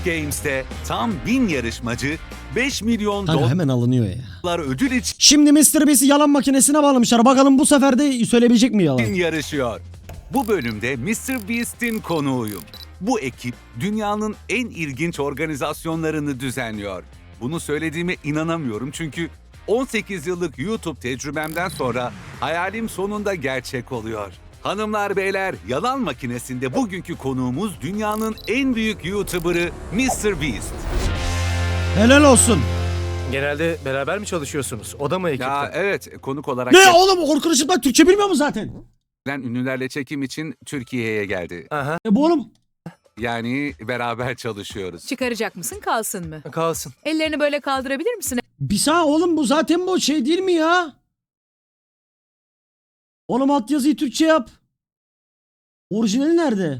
Games'te tam 1000 yarışmacı 5 milyon Kanka hemen alınıyor ya. dolar ödül için Şimdi Mr. Beast'i yalan makinesine bağlamışlar. Bakalım bu sefer de söyleyebilecek mi yalan? yarışıyor. Bu bölümde Mr. Beast'in konuğuyum. Bu ekip dünyanın en ilginç organizasyonlarını düzenliyor. Bunu söylediğime inanamıyorum çünkü 18 yıllık YouTube tecrübemden sonra hayalim sonunda gerçek oluyor. Hanımlar beyler, yalan makinesinde bugünkü konuğumuz dünyanın en büyük YouTuber'ı Mr. Beast. Helal olsun. Genelde beraber mi çalışıyorsunuz? O da mı ekipte? Ya evet, konuk olarak Ne oğlum Orkun Işıtmak Türkçe bilmiyor mu zaten? gelen ünlülerle çekim için Türkiye'ye geldi. Aha, Bu oğlum Yani beraber çalışıyoruz. Çıkaracak mısın, kalsın mı? kalsın. Ellerini böyle kaldırabilir misin? bir saniye oğlum bu zaten bu şey değil mi ya? Oğlum altyazıyı Türkçe yap. Orijinali nerede?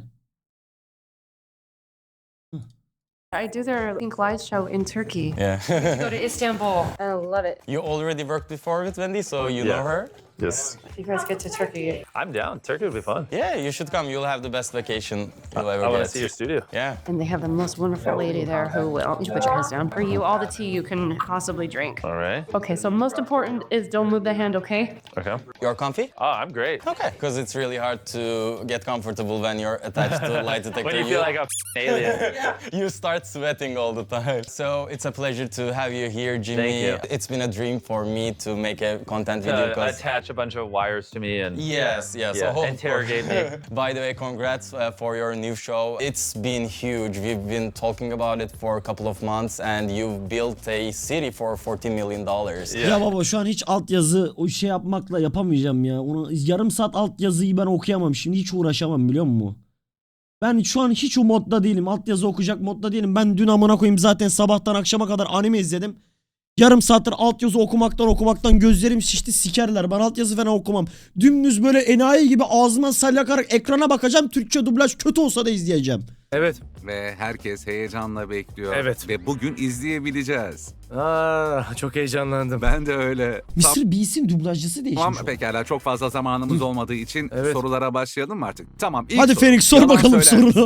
I do their Pink Light show in Turkey. Yeah. Go to Istanbul. I love it. You already worked before with Wendy, so you know her? Yes. If you guys get to Turkey, I'm down. Turkey would be fun. Yeah, you should come. You'll have the best vacation you'll ever I want get. to see your studio. Yeah. and they have the most wonderful lady there who will. You put your hands down. For you, all the tea you can possibly drink. All right. Okay, so most important is don't move the hand, okay? Okay. You're comfy? Oh, I'm great. Okay. Because it's really hard to get comfortable when you're attached to a lie detector. When you feel like a alien. You start sweating all the time. So it's a pleasure to have you here, Jimmy. Thank you. It's been a dream for me to make a content video. Because Attach a bunch of wires to me and yes, yeah, so interrogate me. By the way, congrats for your new show. It's been huge. We've been talking about it for a couple of months, and you've built a city for $14 million. Yeah. Ya baba şu an hiç altyazı o şey yapmakla yapamayacağım ya. Onu yarım saat altyazıyı ben okuyamam. Şimdi hiç uğraşamam biliyor musun? Ben şu an hiç o modda değilim. Altyazı okuyacak modda değilim. Ben dün amına koyayım zaten sabahtan akşama kadar anime izledim. Yarım saattir altyazı okumaktan gözlerim şişti, sikerler. Ben altyazı falan okumam. Dümdüz böyle enayi gibi ağzıma salyakarak ekrana bakacağım. Türkçe dublaj kötü olsa da izleyeceğim. Evet. Ve herkes heyecanla bekliyor. Evet. Ve bugün izleyebileceğiz. Çok heyecanlandım. Ben de öyle. Mr. Beast'in dublajcısı değişmiş. Tamam o. pekala, çok fazla zamanımız olmadığı için Evet. sorulara başlayalım mı artık? Tamam. ilk Hadi soru. Phoenix sor Yalan bakalım söyler misin? sorunu.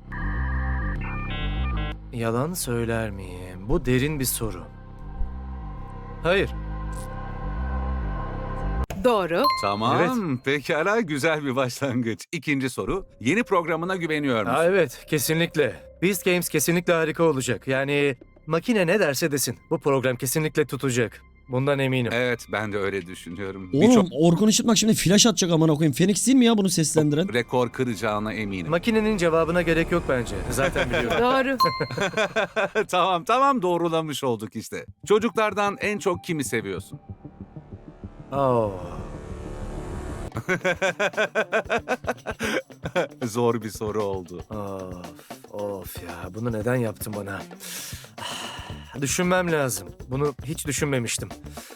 Yalan söyler miyim? Bu derin bir soru. Hayır. Doğru. Tamam. Pekala, güzel bir başlangıç. İkinci soru. Yeni programına güveniyor musun? Evet, kesinlikle. Beast Games kesinlikle harika olacak. Yani makine ne derse desin. Bu program kesinlikle tutacak. Bundan eminim. Evet, ben de öyle düşünüyorum. Oğlum Orkun Işıtmak şimdi flash atacak amına koyayım. Phoenix değil mi ya bunu seslendiren? Birçok rekor kıracağına eminim. Makinenin cevabına gerek yok bence. Zaten biliyorum. Doğru. Tamam, doğrulamış olduk işte. Çocuklardan en çok kimi seviyorsun? Oh. Zor bir soru oldu. Of ya, bunu neden yaptın bana? Düşünmem lazım. Bunu hiç düşünmemiştim.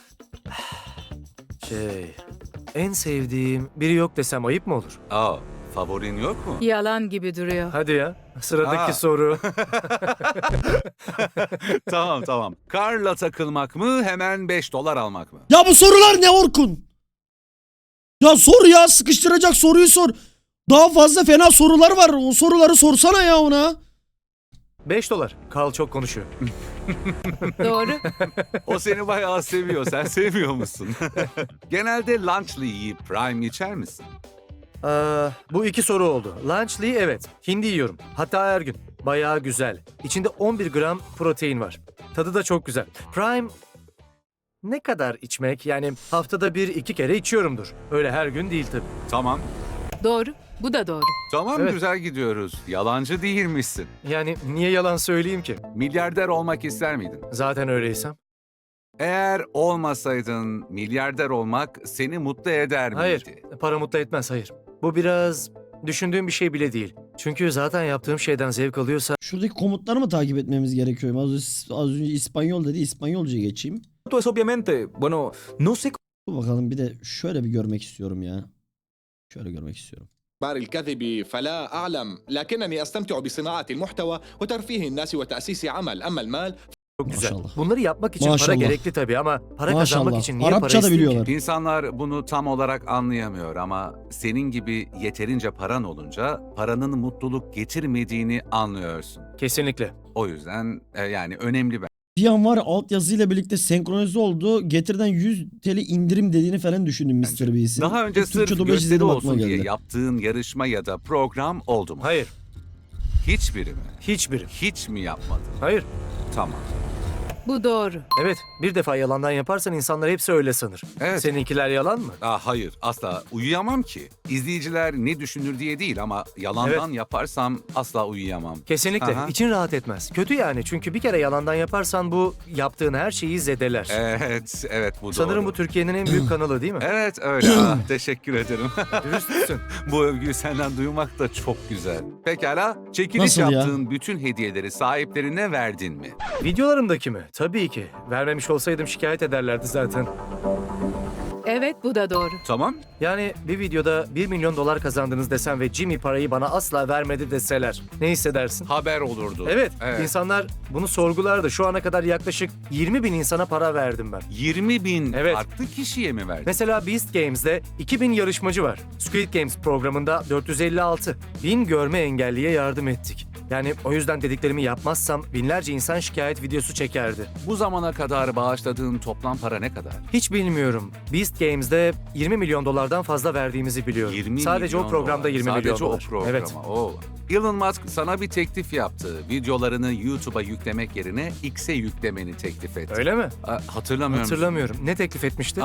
En sevdiğim biri yok desem ayıp mı olur? Favorin yok mu? Yalan gibi duruyor. Hadi ya, sıradaki Aa. soru. Tamam. Karla takılmak mı, hemen $5 almak mı? Ya bu sorular ne Orkun? Ya sor ya, sıkıştıracak soruyu sor. Daha fazla fena sorular var. O soruları sorsana ya ona. $5. Carl çok konuşuyor. Doğru. O seni bayağı seviyor. Sen sevmiyor musun? Genelde lunchlı yiyip prime içer misin? Bu iki soru oldu. Lunchly evet. Hindi yiyorum. Hatta her gün. Bayağı güzel. İçinde 11 gram protein var. Tadı da çok güzel. Prime ne kadar içmek? Yani haftada 1-2 kere içiyorumdur. Öyle her gün değil tabii. Tamam. Doğru. Bu da doğru. Tamam, Evet. güzel gidiyoruz. Yalancı değilmişsin. Yani niye yalan söyleyeyim ki? Milyarder olmak ister miydin? Zaten öyleysem. Eğer olmasaydın milyarder olmak seni mutlu eder miydi? Hayır. Para mutlu etmez, hayır. Bu biraz düşündüğüm bir şey bile değil. Çünkü zaten yaptığım şeyden zevk alıyorsa Şuradaki komutları mı takip etmemiz gerekiyor? Az önce İspanyol dedi. İspanyolca geçeyim. Es obviamente, bueno, no sé Dur bakalım bir de şöyle bir görmek istiyorum ya. Şöyle görmek istiyorum. الكذب فلا أعلم لكنني أستمتع بصناعة المحتوى وترفيه الناس وتأسيس عمل أما المال çok güzel. Maşallah. Bunları yapmak için para Maşallah. gerekli tabii ama para kazanmak Maşallah. için niye Arapça para da isteyeyim ki? biliyorlar. İnsanlar bunu tam olarak anlayamıyor ama senin gibi yeterince paran olunca paranın mutluluk getirmediğini anlıyorsun. Kesinlikle. O yüzden yani önemli Bir an var ya altyazıyla birlikte senkronize oldu. Getirden 100 TL indirim dediğini falan düşündüm Mr. Beast'in. Daha önce Türkçe sırf dublaj gösteri izledim, aklıma olsun diye geldi. yaptığın yarışma ya da program oldu mu? Hayır. Hiçbiri mi? Hiçbiri. Hiç mi yapmadın? Hayır. Tamam. Bu doğru. Evet. Bir defa yalandan yaparsan insanlar hepsi öyle sanır. Evet. Seninkiler yalan mı? Hayır, asla uyuyamam ki. İzleyiciler ne düşünür diye değil ama yalandan yaparsam asla uyuyamam. Kesinlikle. Aha. İçin rahat etmez. Kötü yani. Çünkü bir kere yalandan yaparsan bu yaptığın her şeyi zedeler. Evet bu Sanırım doğru. bu Türkiye'nin en büyük kanalı değil mi? Evet öyle. Teşekkür ederim. Dürüstsün. Bu övgüyü senden duymak da çok güzel. Pekala, çekiliş Nasıl ya? yaptığın bütün hediyeleri sahiplerine verdin mi? Videolarımdaki mi? Tabii ki. Vermemiş olsaydım şikayet ederlerdi zaten. Evet, bu da doğru. Tamam. Yani bir videoda 1 milyon dolar kazandınız desem ve Jimmy parayı bana asla vermedi deseler ne hissedersin? Haber olurdu. Evet, insanlar bunu sorgulardı. Şu ana kadar yaklaşık 20 bin insana para verdim ben. 20 bin Evet. farklı kişiye mi verdin? Mesela Beast Games'de 2000 yarışmacı var. Squid Games programında 456. 1000 görme engelliye yardım ettik. Yani o yüzden dediklerimi yapmazsam binlerce insan şikayet videosu çekerdi. Bu zamana kadar bağışladığın toplam para ne kadar? Hiç bilmiyorum. Beast Games'de 20 milyon dolardan fazla verdiğimizi biliyorum. 20 Sadece milyon o programda dolar. 20 milyon Sadece dolar. o programa. Evet. Oo. Elon Musk sana bir teklif yaptı. Videolarını YouTube'a yüklemek yerine X'e yüklemeni teklif etti. Öyle mi? Hatırlamıyorum. Hatırlamıyorum. Ne teklif etmişti?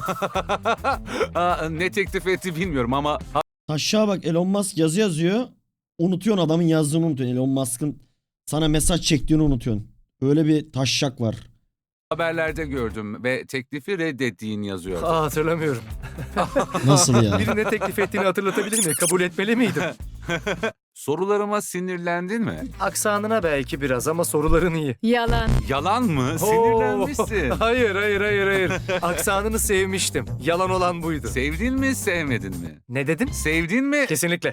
Ne teklif etti bilmiyorum ama Aşağı bak, Elon Musk yazı yazıyor. Unutuyorsun, adamın yazdığını unutuyorsun. Elon Musk'ın sana mesaj çektiğini unutuyorsun. Öyle bir taşşak var. haberlerde gördüm ve teklifi reddettiğin yazıyordu. Hatırlamıyorum. Nasıl ya? Biri ne teklif ettiğini hatırlatabilir mi? Kabul etmeli miydim? Sorularıma sinirlendin mi? Aksanına belki biraz ama soruların iyi. Yalan. Yalan mı? Sinirlenmişsin. Hayır. Aksanını sevmiştim. Yalan olan buydu. Sevdin mi, sevmedin mi? Ne dedim? Sevdin mi? Kesinlikle.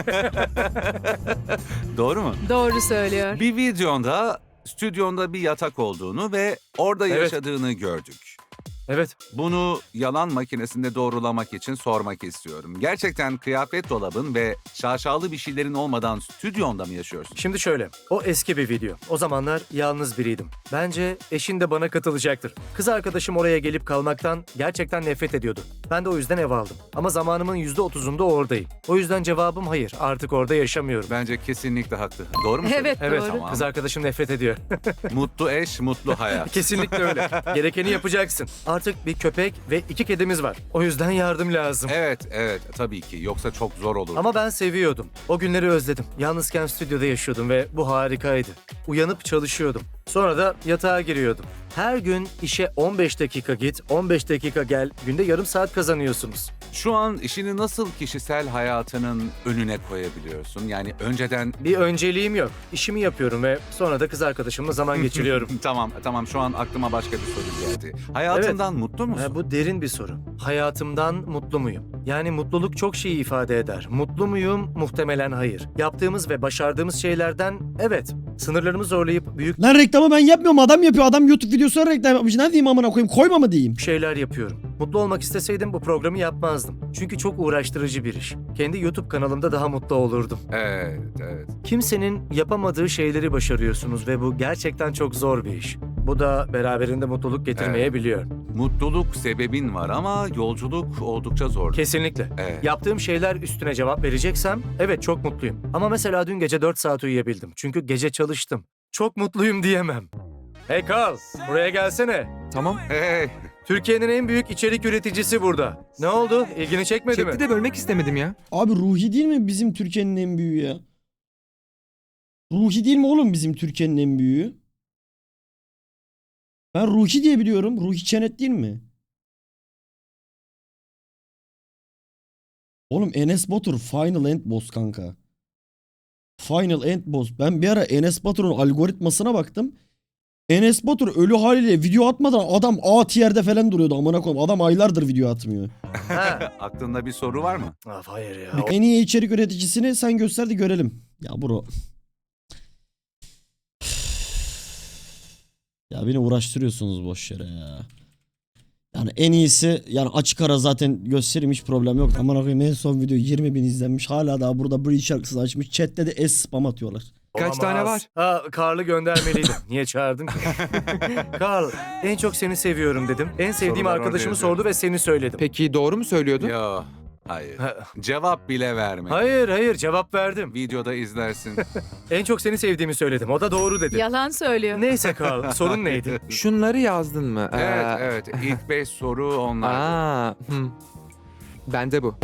Doğru mu? Doğru söylüyor. Bir videonda stüdyonda bir yatak olduğunu ve orada Evet. yaşadığını gördük. Evet. Bunu yalan makinesinde doğrulamak için sormak istiyorum. Gerçekten kıyafet dolabın ve şaşalı bir şeylerin olmadan stüdyonda mı yaşıyorsun? Şimdi şöyle. O eski bir video. O zamanlar yalnız biriydim. Bence eşin de bana katılacaktır. Kız arkadaşım oraya gelip kalmaktan gerçekten nefret ediyordu. Ben de o yüzden ev aldım. Ama zamanımın %30'unda oradayım. O yüzden cevabım hayır. Artık orada yaşamıyorum. Bence kesinlikle haklı. Doğru mu? Evet, Evet. doğru. Tamam. Kız arkadaşım nefret ediyor. Mutlu eş, mutlu hayat. Kesinlikle öyle. Gerekeni yapacaksın. Artık bir köpek ve 2 kedimiz var. O yüzden yardım lazım. Evet, tabii ki. Yoksa çok zor olur. Ama ben seviyordum. O günleri özledim. Yalnızken stüdyoda yaşıyordum ve bu harikaydı. Uyanıp çalışıyordum. Sonra da yatağa giriyordum. Her gün işe 15 dakika git, 15 dakika gel. Günde yarım saat kazanıyorsunuz. Şu an işini nasıl kişisel hayatının önüne koyabiliyorsun? Yani önceden... Bir önceliğim yok. İşimi yapıyorum ve sonra da kız arkadaşımla zaman geçiriyorum. Tamam şu an aklıma başka bir soru geldi. Hayatından mutlu musun? Bu derin bir soru. Hayatımdan mutlu muyum? Yani mutluluk çok şey ifade eder. Mutlu muyum? Muhtemelen hayır. Yaptığımız ve başardığımız şeylerden evet. Sınırlarımı zorlayıp büyük Lan reklamı ben yapmıyorum, adam yapıyor. Adam YouTube videosuna reklam yapmış. Ne diyeyim amına koyayım? Koyma mı diyeyim? şeyler yapıyorum. Mutlu olmak isteseydim bu programı yapmazdım. Çünkü çok uğraştırıcı bir iş. Kendi YouTube kanalımda daha mutlu olurdum. Evet. Kimsenin yapamadığı şeyleri başarıyorsunuz ve bu gerçekten çok zor bir iş. Bu da beraberinde mutluluk getirmeyebiliyor. Mutluluk sebebin var ama yolculuk oldukça zor. Kesinlikle. Evet. Yaptığım şeyler üstüne cevap vereceksem evet çok mutluyum. Ama mesela dün gece 4 saat uyuyabildim. Çünkü gece çalıştım. Çok mutluyum diyemem. Hey Carl, buraya gelsene. Tamam. Hey, Türkiye'nin en büyük içerik üreticisi burada. Ne oldu? İlgini çekmedi mi? Çekti de bölmek istemedim ya. Abi Ruhi değil mi bizim Türkiye'nin en büyüğü ya? Ruhi değil mi oğlum bizim Türkiye'nin en büyüğü? Ben Ruhi diye biliyorum. Ruhi Çenet değil mi? Oğlum Enes Batur Final End Boss kanka. Final End Boss. Ben bir ara Enes Batur'un algoritmasına baktım. Enes Batur ölü haliyle video atmadan adam A tier'de falan duruyordu amına koyayım. Adam aylardır video atmıyor. Ha. aklında bir soru var mı? Hayır ya. En iyi içerik üreticisini sen göster de görelim. Ya bro. Ya beni uğraştırıyorsunuz boş yere ya. Yani en iyisi yani açık ara zaten göstereyim, hiç problem yok. Aman koyayım en son video 20.000 izlenmiş. Hala daha burada Breach şarkısını açmış. Chat'te de spam atıyorlar. Kaç tane var? Ha, Karl'ı göndermeliydim. Niye çağırdın ki? Karl, en çok seni seviyorum dedim. En sevdiğim Sorular arkadaşımı orada sordu ve seni söyledim. Peki doğru mu söylüyordun? Yo, hayır. Cevap bile verme. Hayır, cevap verdim. Videoda izlersin. En çok seni sevdiğimi söyledim. O da doğru dedi. Yalan söylüyor. Neyse Karl, sorun neydi? Şunları yazdın mı? Evet. İlk 5 soru onlar. Bende bu.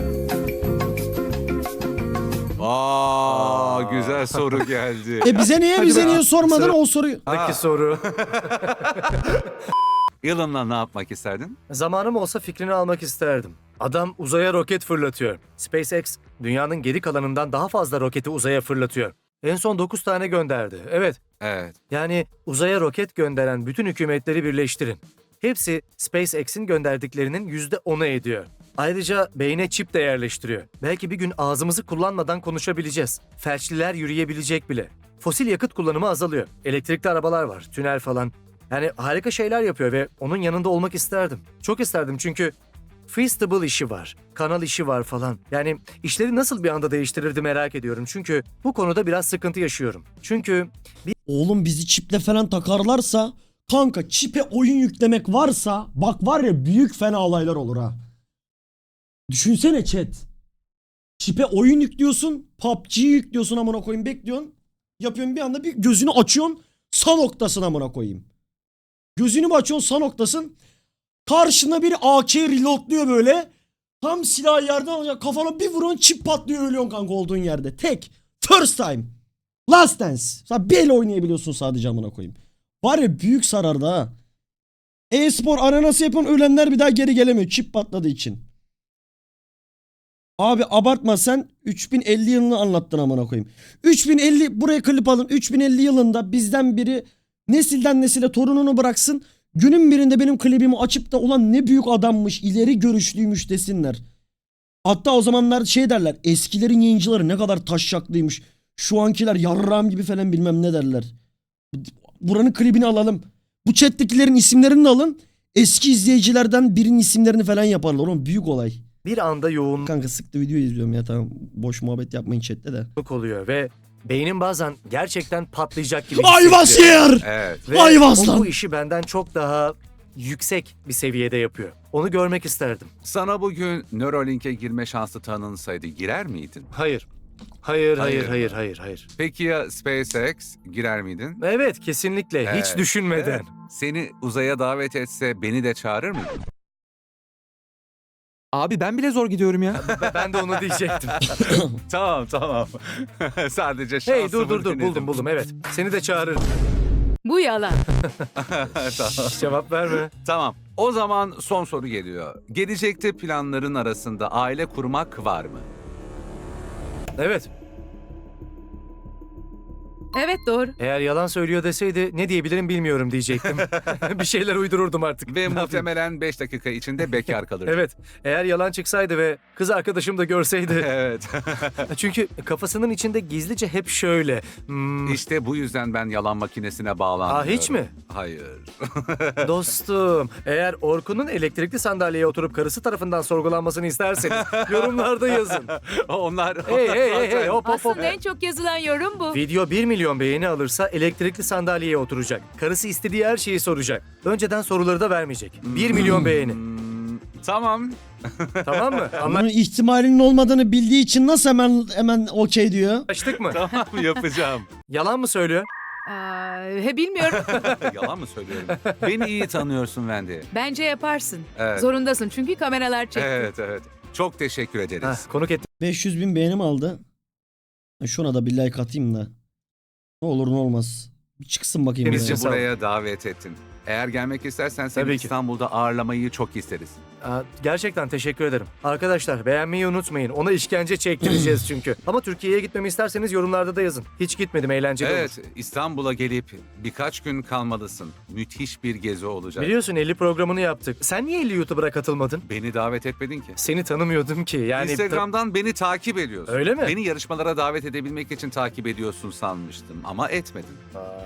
Güzel soru geldi. Bize niye sormadın o soruyu? Sıradaki soru. Elon'la ne yapmak isterdin? Zamanım olsa fikrini almak isterdim. Adam uzaya roket fırlatıyor. SpaceX, dünyanın geri kalanından daha fazla roketi uzaya fırlatıyor. En son 9 tane gönderdi. Evet. Yani uzaya roket gönderen bütün hükümetleri birleştirin. Hepsi SpaceX'in gönderdiklerinin %10'u ediyor. Ayrıca beyne çip de yerleştiriyor. Belki bir gün ağzımızı kullanmadan konuşabileceğiz. Felçliler yürüyebilecek bile. Fosil yakıt kullanımı azalıyor. Elektrikli arabalar var, tünel falan. Yani harika şeyler yapıyor ve onun yanında olmak isterdim. Çok isterdim çünkü Feasible işi var, kanal işi var falan. Yani işleri nasıl bir anda değiştirirdi merak ediyorum. Çünkü bu konuda biraz sıkıntı yaşıyorum. Çünkü Oğlum bizi çiple falan takarlarsa kanka çipe oyun yüklemek varsa bak var ya büyük fena olaylar olur ha. Düşünsene chat. Çipe oyun yüklüyorsun, PUBG'yi yüklüyorsun amına koyayım bekliyorsun. Yapıyorsun bir anda bir gözünü açıyorsun sağ noktasına amına koyayım. Gözünü bir açıyorsun sağ noktasın. Karşına bir AK reloadluyor böyle. Tam silahı yerden alacak kafana bir vuruyorsun çip patlıyor ölüyorsun kanka olduğun yerde. Tek. First time. Last dance. Sen bir el oynayabiliyorsun sadece amına koyayım. Var ya büyük sarardı ha. E-spor arenası yapan ölenler bir daha geri gelemiyor çip patladığı için. Abi abartma sen 3050 yılını anlattın amına koyayım. 3050 buraya klip alın. 3050 yılında bizden biri nesilden nesile torununu bıraksın. Günün birinde benim klibimi açıp da ulan ne büyük adammış, ileri görüşlüymüş desinler. Hatta o zamanlar şey derler. Eskilerin yayıncıları ne kadar taşşaklıymış. Şu ankiler yarrağım gibi falan bilmem ne derler. Buranın klibini alalım. Bu chat'tekilerin isimlerini de alın. Eski izleyicilerden birinin isimlerini falan yaparlar. Oğlum büyük olay. bir anda yoğunluk Kanka sıktı video izliyorum ya tamam. Boş muhabbet yapmayın chatte de. oluyor ve beynim bazen gerçekten patlayacak gibi I was here! Evet. Ve I was o lan! bu işi benden çok daha yüksek bir seviyede yapıyor. Onu görmek isterdim. Sana bugün Neuralink'e girme şansı tanınsaydı girer miydin? Hayır. Hayır. Hayır. Peki ya SpaceX girer miydin? Evet, kesinlikle. Hiç Evet. düşünmeden. Evet. Seni uzaya davet etse beni de çağırır mıydın? Abi ben bile zor gidiyorum ya. Ben de onu diyecektim. Tamam. Sadece şansımı Hey dur denedim. buldum evet. Seni de çağırırım. Bu yalan. Tamam. Cevap verme. Tamam. O zaman son soru geliyor. Gelecekte planların arasında aile kurmak var mı? Evet. Evet doğru. Eğer yalan söylüyor deseydi ne diyebilirim bilmiyorum diyecektim. Bir şeyler uydururdum artık. Ve Ne yapayım? muhtemelen 5 dakika içinde bekar kalırdın. Evet. Eğer yalan çıksaydı ve kız arkadaşım da görseydi. Evet. Çünkü kafasının içinde gizlice hep şöyle. İşte bu yüzden ben yalan makinesine bağlanmıyorum. Hiç mi? Hayır. Dostum, eğer Orkun'un elektrikli sandalyeye oturup karısı tarafından sorgulanmasını isterseniz yorumlarda yazın. Onlar... Hey, hop. Aslında en çok yazılan yorum bu. Video 1 milyon beğeni alırsa elektrikli sandalyeye oturacak. Karısı istediği her şeyi soracak. Önceden soruları da vermeyecek. 1 milyon beğeni. Tamam. Tamam mı? Bunun ihtimalinin olmadığını bildiği için nasıl hemen okey diyor. Anlaştık mı? Tamam yapacağım. Yalan mı söylüyor? Bilmiyorum. Yalan mı söylüyorum? Beni iyi tanıyorsun Wendy. Bence yaparsın. Evet. Zorundasın çünkü kameralar çekti. Evet. Çok teşekkür ederiz. Konuk ettim. 500 bin beğenim aldı. Şuna da bir like atayım da. Ne olur ne olmaz. Bir çıksın bakayım. Temizce buraya. Bizi buraya davet ettin. Eğer gelmek istersen seni Tabii ki. İstanbul'da ağırlamayı çok isteriz. Gerçekten teşekkür ederim. Arkadaşlar beğenmeyi unutmayın. Ona işkence çektireceğiz çünkü. Ama Türkiye'ye gitmemi isterseniz yorumlarda da yazın. Hiç gitmedim, eğlenceli Evet, olur. İstanbul'a gelip birkaç gün kalmalısın. Müthiş bir gezi olacak. Biliyorsun 50 programını yaptık. Sen niye 50 YouTuber'a katılmadın? Beni davet etmedin ki. Seni tanımıyordum ki. Yani Instagram'dan beni takip ediyorsun. Öyle mi? Beni yarışmalara davet edebilmek için takip ediyorsun sanmıştım ama etmedin.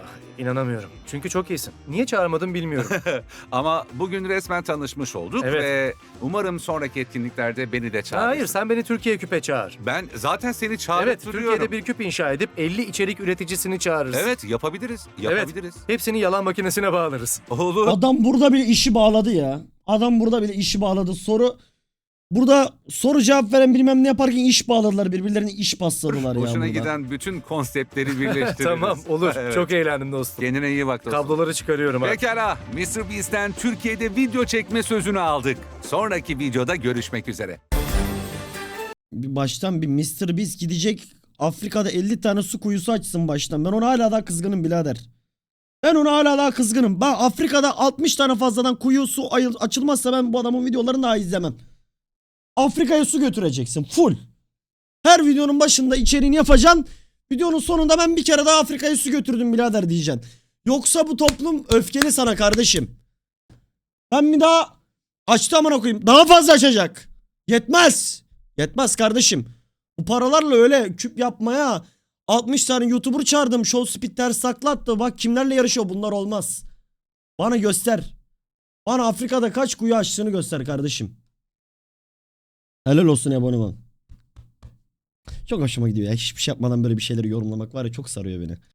İnanamıyorum. Çünkü çok iyisin. Niye çağırmadın bilmiyorum. Ama bugün resmen tanışmış olduk Evet. ve umarım sonraki etkinliklerde beni de çağırırsın. Hayır, sen beni Türkiye küpe çağır. Ben zaten seni çağırıp Evet, duruyorum. Türkiye'de bir küp inşa edip 50 içerik üreticisini çağırırız. Evet, yapabiliriz. Yapabiliriz. Hepsini yalan makinesine bağlarız. Olur. Adam burada bile işi bağladı ya. Adam burada bile işi bağladı. Burada soru cevap veren bilmem ne yaparken iş bağladılar. Birbirlerine iş pasladılar ya Hoşuna burada. giden bütün konseptleri birleştiririz. Tamam, olur. Evet. Çok eğlendim dostum. Kendine iyi bak dostum. Kabloları çıkarıyorum abi. Pekala, MrBeast'ten Türkiye'de video çekme sözünü aldık. Sonraki videoda görüşmek üzere. Bir baştan bir Mr. Beast gidecek Afrika'da 50 tane su kuyusu açsın baştan. Ben ona hala daha kızgınım birader. Ben ona hala daha kızgınım. Ben Afrika'da 60 tane fazladan kuyu su açılmazsa ben bu adamın videolarını daha izlemem. Afrika'ya su götüreceksin full. Her videonun başında içeriğini yapacaksın. Videonun sonunda ben bir kere daha Afrika'ya su götürdüm birader diyeceksin. Yoksa bu toplum öfkeli sana kardeşim. Ben bir daha açtı amına koyayım. Daha fazla açacak. Yetmez. Yetmez kardeşim. Bu paralarla öyle küp yapmaya 60 tane YouTuber çağırdım. Show Speed ters saklattı. Bak kimlerle yarışıyor, bunlar olmaz. Bana göster. Bana Afrika'da kaç kuyu açtığını göster kardeşim. Helal olsun aboneman. Çok hoşuma gidiyor ya. Hiçbir şey yapmadan böyle bir şeyleri yorumlamak var ya, çok sarıyor beni.